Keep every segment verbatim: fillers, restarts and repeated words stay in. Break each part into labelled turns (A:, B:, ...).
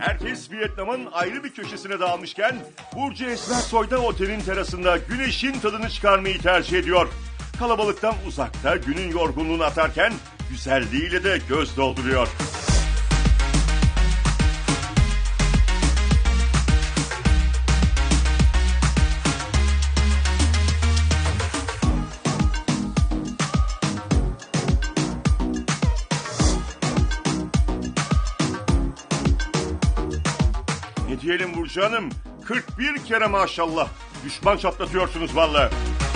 A: Herkes Vietnam'ın ayrı bir köşesine dağılmışken Burcu Esmersoy da otelin terasında güneşin tadını çıkarmayı tercih ediyor. Kalabalıktan uzakta günün yorgunluğunu atarken güzelliğiyle de göz dolduruyor. Ne diyelim Burcu Hanım? kırk bir kere maşallah. Düşman çatlatıyorsunuz vallahi.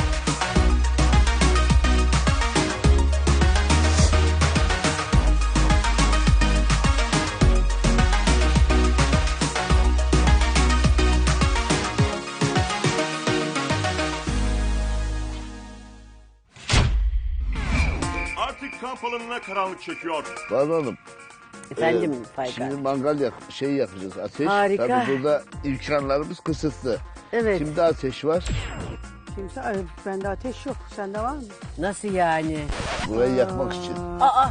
A: Artık kamp alanına karanlık çekiyor.
B: Banu Hanım.
C: Efendim
B: e,
C: Faykal.
B: Şimdi mangal yak şey yakacağız, ateş.
C: Harika.
B: Tabii burada imkanlarımız kısıtlı.
C: Evet.
B: Kimde ateş var?
D: Kimse, ay, bende ateş yok. Sende var mı?
C: Nasıl yani?
B: Burayı yakmak için.
C: Aa,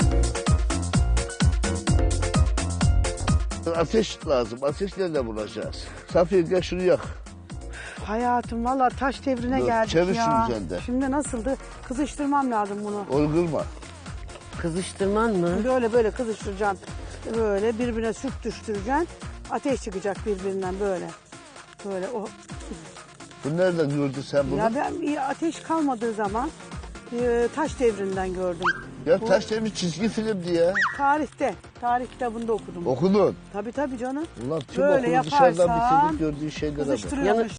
B: Ateş lazım. Ateş nerede bulacağız? Safiye gel şunu yak.
D: Hayatım valla taş devrine
B: Dur,
D: geldik
B: çevir
D: ya.
B: şunu sen de.
D: Şimdi nasıldı? Kızıştırmam lazım bunu.
B: Olgurma.
C: kızıştırman mı?
D: Böyle böyle kızıştıracaksın. Böyle birbirine sürttüştüreceksin. Ateş çıkacak birbirinden böyle. Böyle o.
B: Bu nereden gördün sen bunu?
D: Ya
B: Ya,
D: ben bir ateş kalmadığı zaman e, taş devrinden gördüm. Bu
B: taş devri çizgi filmdi ya.
D: Tarihte. Tarih kitabında okudum.
B: Okudun.
D: Tabii tabii canım.
B: Ulan tüm
D: Böyle
B: okulu dışarıdan
D: yaparsan
B: bitirdik gördüğün şeylere bak.
D: Kızıştırıyormuş.